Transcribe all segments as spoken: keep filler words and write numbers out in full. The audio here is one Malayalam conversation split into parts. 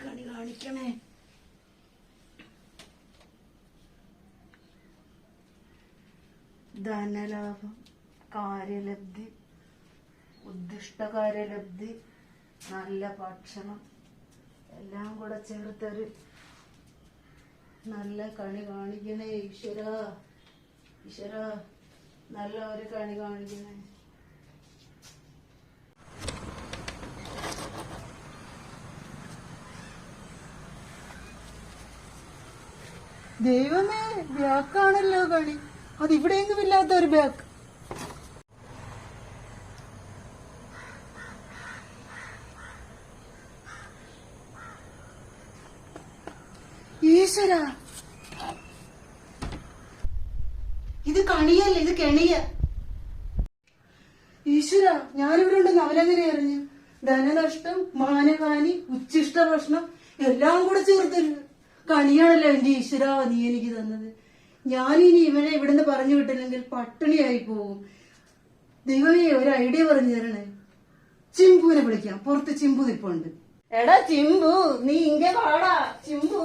കണി കാണിക്കണേ. ധനലാഭം, കാര്യലബ്ധി, ഉദ്ദിഷ്ട കാര്യലബ്ധി, നല്ല ഭക്ഷണം എല്ലാം കൂടെ ചേർത്തൊരു നല്ല കണി കാണിക്കണേ. ഈശ്വര ഈശ്വര നല്ല ഒരു കണി കാണിക്കണേ. ദൈവമേ, ബാക്കാണല്ലോ കണി. അതിവിടെയെങ്കിലും ഇല്ലാത്ത ഒരു ബാക്ക്. ഈശ്വര, ഇത് കണിയല്ല, ഇത് കെണിയ. ഈശ്വര, ഞാനിവിടെ ഉണ്ട് നവലങ്ങനെ അറിഞ്ഞു. ധനനഷ്ടം, മാനഹാനി, ഉച്ഛിഷ്ട പ്രശ്നം എല്ലാം കൂടെ ചേർത്തൊരു കണിയാണല്ലോ എന്റെ ഈശ്വര നീ എനിക്ക് തന്നത്. ഞാനിനി ഇവനെ ഇവിടുന്ന് പറഞ്ഞു വിട്ടില്ലെങ്കിൽ പട്ടിണിയായി പോകും. ദൈവമേ, ഒരു ഐഡിയ പറഞ്ഞു തരണേ. ചിമ്പുവിനെ വിളിക്കാം, പുറത്ത് ചിമ്പു നിപ്പുണ്ട്. എടാ ചിമ്പു, നീ ഇങ്ങ വാടാ. ചിമ്പു,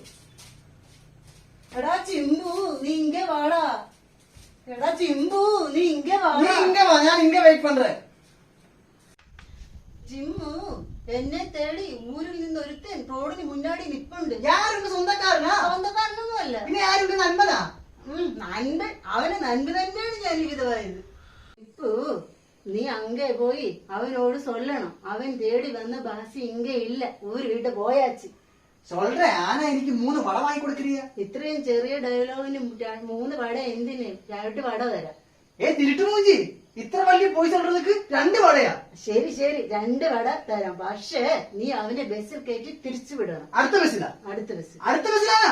എടാ ചിമ്പു, നീ ഇങ്ങ വാടാ. എടാ ചിമ്പു, നീ ഇങ്ങ വാടാ. ഞാൻ ഇങ്ങ വെയിറ്റ് പண்றேன். ചിമ്പു, എന്നെ തേടി ഊരിൽ നിന്ന് ഒരുത്തൻ റോഡിന് മുന്നാടി നിപ്പുണ്ട്. யாருக்கு சொந்தக்காரனா? സ്വന്തക്കാരനൊന്നുമല്ല. പിന്നെ ആരുടെ നന്മനാ? നൻപൻ. അവന് നൻപ് തന്നെയാണ് ഞാൻ വിധവായത്. ഇപ്പോ നീ അങ്ങേ പോയി അവനോട് சொல்லணும். അവൻ തേടി വന്ന ബാസി ഇങ്ങ ഇല്ല, ഊര് വിട്ട് പോയാച്ച്. சொல்றேன், ஆனா എനിക്ക് മൂന്ന് വട വാങ്ങി കൊടുക്കറിയ. ഇത്രയും ചെറിയ ഡയലോഗിന് മൂന്ന് വട എന്തിന്? രണ്ട് വട തരാം. ഏ തിരുട്ടു മൂഞ്ചി, ഇത്ര വലിയ പോയി சொல்றதுக்கு രണ്ട് വടയാ? ശരി ശരി, രണ്ട് വട തരാം. പക്ഷേ നീ അവനെ ബസ്സിൽ കയറ്റി തിരിച്ചു വിടണം. അടുത്ത ബസ്സിലാ? അടുത്ത ബസ്. അടുത്ത ബസ്സിലാണോ?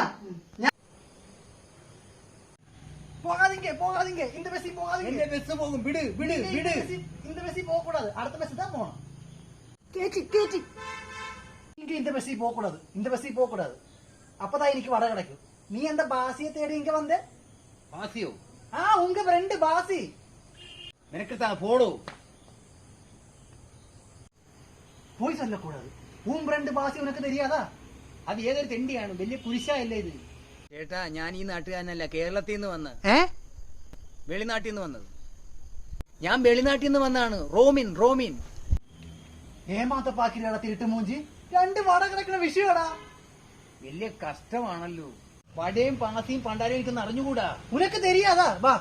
போகாதீங்க போகாதீங்க, இந்த பஸ்ஸில் போகாதீங்க. இந்த பஸ் போகும், விடு விடு விடு. இந்த பஸ்ஸில் போக கூடாது, அடுத்த பஸ் தான் போகணும். கேட்டி கேட்டி, இங்க இந்த பஸ்ஸில் போக கூடாது, இந்த பஸ்ஸில் போக கூடாது. அப்பதான் எனக்கு வடை கிடைக்கும். நீ அந்த பாசியை தேடி இங்க வந்த? பாசியோ? ஆ, உங்க ஃப்ரெண்ட் பாசி. எனக்கு தான் போடு. போய் சொல்லக்கூடாது. உன் ஃப்ரெண்ட் பாசி உனக்கு தெரியாதா? അത് ഏതൊരു തെണ്ടിയാണ്, വലിയ കുരിശല്ലേ ഇത്. ചേട്ടാ, ഞാൻ ഈ നാട്ടുകാരനല്ല, കേരളത്തിൽ നിന്ന് വന്ന. വെളിനാട്ടിൽ നിന്ന് വന്നത്. ഞാൻ വെളിനാട്ടിൽ നിന്ന് വന്നാണ്. റോമിൻ റോമിൻ ഏമാത്ത പാക്കിലാണ് തിരുട്ട് മൂഞ്ചി. രണ്ട് വട കിടക്കുന്ന വിഷയടാ. വലിയ കഷ്ടമാണല്ലോ. വടയും പാസിയും പണ്ടാരും എനിക്കൊന്ന് അറിഞ്ഞുകൂടാ. ഉനക്ക് തെരിയാതാ? വാ.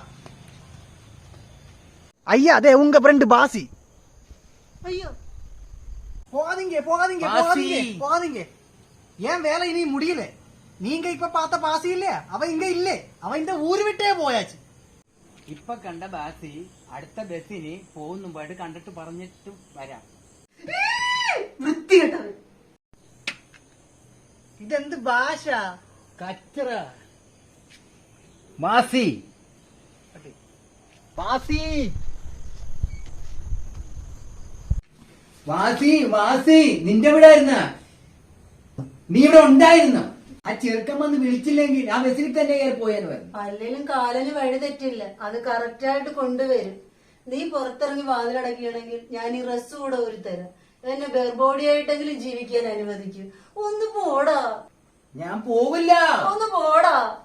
ஐயா, அதே உங்க ஃப்ரெண்ட் பாசி. ஐயோ, போகாதீங்க போகாதீங்க போகாதீங்க போகாதீங்க. ஏன் வேலை இனி முடியல? நீங்க இப்ப பார்த்த பாசி இல்லையா, அவன் இங்க இல்லே. அவன் இந்த ஊரு விட்டே போயாச்சு. ഇപ്പൊ കണ്ട ബാസി അടുത്ത ബസ്സിന് പോകുന്ന മുമ്പായിട്ട് കണ്ടിട്ട് പറഞ്ഞിട്ട് വരാം. വൃത്തികെട്ടവൻ. ഇതെന്ത് ഭാഷ? കച്ചറ. മാസി വാസി വാസി വാസി, നിന്റെ ഇവിടെ ആയിരുന്ന? നീ ഇവിടെ ഉണ്ടായിരുന്ന? ആ ചെറുക്കൻ വന്ന് വിളിച്ചില്ലെങ്കിൽ ആ ബസ്സിൽ തന്നെ കയറി പോയാന്ന് പറഞ്ഞു. അല്ലെങ്കിലും കാലന് വഴി തെറ്റില്ല, അത് കറക്റ്റായിട്ട് കൊണ്ടുവരും. നീ പുറത്തിറങ്ങി വാതിലടക്കുകയാണെങ്കിൽ ഞാൻ ഈ ഡ്രസ് കൂടെ ഒരു തരാം. എന്നെ ബെർബോഡി ആയിട്ടെങ്കിലും ജീവിക്കാൻ അനുവദിക്കും. ഒന്ന് പോടാ. ഞാൻ പോവില്ല. ഒന്ന് പോടാ.